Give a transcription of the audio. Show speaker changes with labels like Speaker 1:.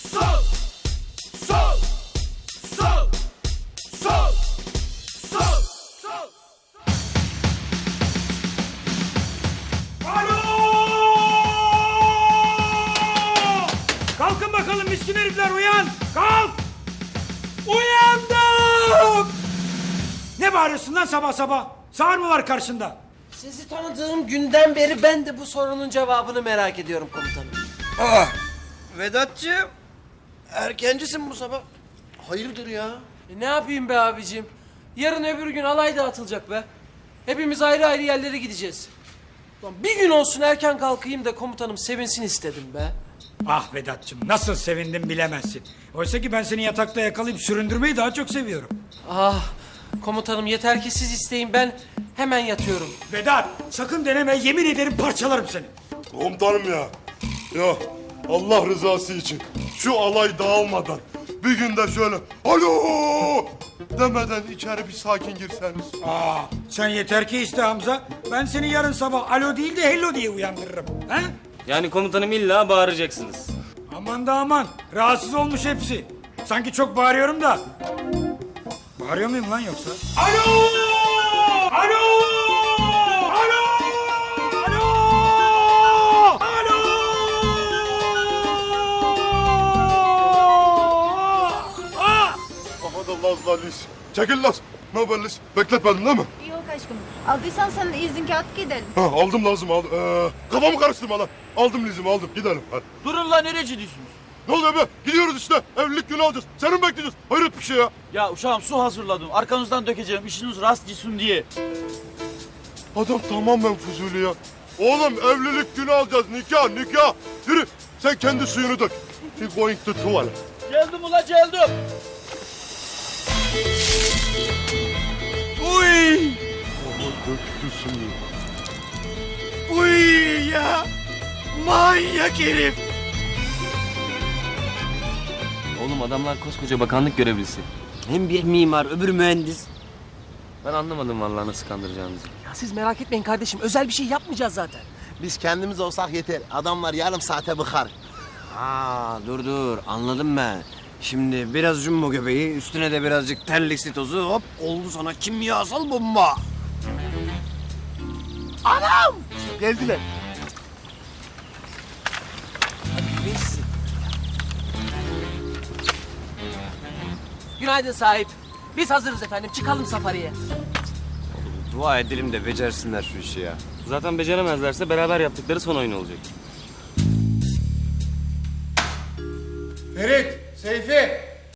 Speaker 1: Sol! Sol! Sol! Sol! Sol! Sol! Alo! Kalkın bakalım miskin herifler, uyan! Kalk! Uyandım! Ne bağırıyorsun lan sabah sabah? Sağır mı var karşında?
Speaker 2: Sizi tanıdığım günden beri ben de bu sorunun cevabını merak ediyorum komutanım.
Speaker 3: Vedat'cığım, erkencisin bu sabah. Hayırdır ya?
Speaker 2: Ne yapayım be abicim? Yarın öbür gün alay dağıtılacak be. Hepimiz ayrı ayrı yerlere gideceğiz. Lan bir gün olsun erken kalkayım da komutanım sevinsin istedim be.
Speaker 1: Ah Vedat'cığım, nasıl sevindim bilemezsin. Oysa ki ben seni yatakta yakalayıp süründürmeyi daha çok seviyorum.
Speaker 2: Ah komutanım yeter ki siz isteyin, ben hemen yatıyorum.
Speaker 1: Vedat, sakın deneme, yemin ederim parçalarım seni.
Speaker 4: Komutanım ya. Ya Allah rızası için şu alay dağılmadan bir günde şöyle alo demeden içeri bir sakin girseniz.
Speaker 1: Sen yeter ki iste Hamza. Ben seni yarın sabah alo değil de hello diye uyandırırım. He?
Speaker 5: Yani komutanım illa bağıracaksınız.
Speaker 1: Aman da aman, rahatsız olmuş hepsi. Sanki çok bağırıyorum da. Bağırıyor muyum lan yoksa? Alo! Alo! Alo! Alo! Alo! Ah!
Speaker 4: Aha da Laz la Lis. Çekil Laz. Ne haber Lis? Bekletmedin değil mi?
Speaker 6: Yok aşkım. Aldıysan sen de izin kağıt gidelim.
Speaker 4: Ha, aldım lazım aldım. Kafamı karıştırma lan. Aldım Liz'imi aldım. Gidelim hadi.
Speaker 7: Durun lan, nereye gidiyorsunuz?
Speaker 4: Ne oluyor be? Gidiyoruz işte. Evlilik günü alacağız. Seni mi bekleyeceğiz? Hayret bir şey ya.
Speaker 7: Ya uşağım su hazırladım. Arkanızdan dökeceğim. İşiniz rast gitsin diye.
Speaker 4: Adam tamamen fuzuli ya. Oğlum evlilik günü alacağız. Nikah nikah. Yürü. Sen kendi suyunu dök. He going to tuvalet.
Speaker 7: Geldim ula geldim.
Speaker 4: Uy. Aman döktü suyu.
Speaker 3: Uy ya! Manyak herif!
Speaker 5: Oğlum adamlar koskoca bakanlık görevlisi.
Speaker 3: Hem bir mimar, öbür mühendis.
Speaker 5: Ben anlamadım vallahi nasıl kandıracağınızı.
Speaker 2: Ya siz merak etmeyin kardeşim, özel bir şey yapmayacağız zaten.
Speaker 3: Biz kendimiz olsak yeter. Adamlar yarım saate bıkar. Dur anladım ben. Şimdi biraz jumbo göbeği, üstüne de birazcık terliksi tozu, hop oldu sana kimyasal bomba. Anam! Geldiler.
Speaker 2: Günaydın sahip. Biz hazırız efendim, çıkalım safariye.
Speaker 3: Dua edelim de becersinler şu işi ya.
Speaker 5: Zaten beceremezlerse beraber yaptıkları son oyun olacak.
Speaker 1: Ferit, Seyfi,